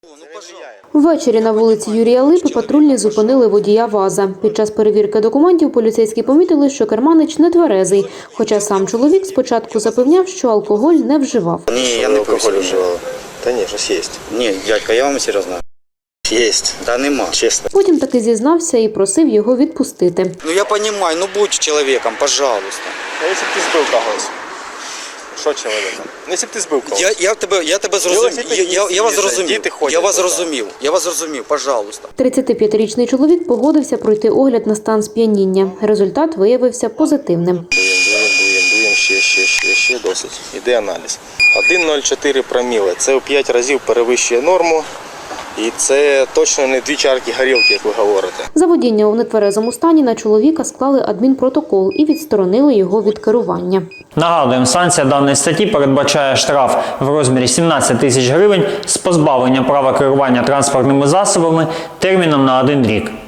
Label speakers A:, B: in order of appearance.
A: Ввечері на вулиці Юрія Липи патрульні зупинили водія ВАЗа. Під час перевірки документів поліцейські помітили, що керманич нетверезий, хоча сам чоловік спочатку запевняв, що алкоголь не вживав.
B: Ні, я не
C: алкоголь вживав. Та ні, щось є.
B: Ні, дядька, я вам серйозно.
C: Є.
B: Та нема.
C: Чесно.
A: Потім таки зізнався і просив його відпустити.
B: Ну я розумію, ну будь чоловіком, пожалуйста.
C: А якщо б ти збив когось? Що чоловіком? Ну, якщо б ти збив когось?
B: Я тебе зрозумів. Я вас зрозумів.
C: Діти ходять
B: Я вас
C: туди.
B: зрозумів. Я вас зрозумів, пожалуйста.
A: 35-річний чоловік погодився пройти огляд на стан сп'яніння. Результат виявився позитивним.
C: Дуємо, ще досить. Іде аналіз. 1,04 проміли. Це у 5 разів перевищує норму. І це точно не 2 чарки горілки, як ви говорите.
A: За водіння у нетверезому стані на чоловіка склали адмінпротокол і відсторонили його від керування.
D: Нагадуємо, санкція даної статті передбачає штраф в розмірі 17 тисяч гривень з позбавленням права керування транспортними засобами терміном на 1 рік.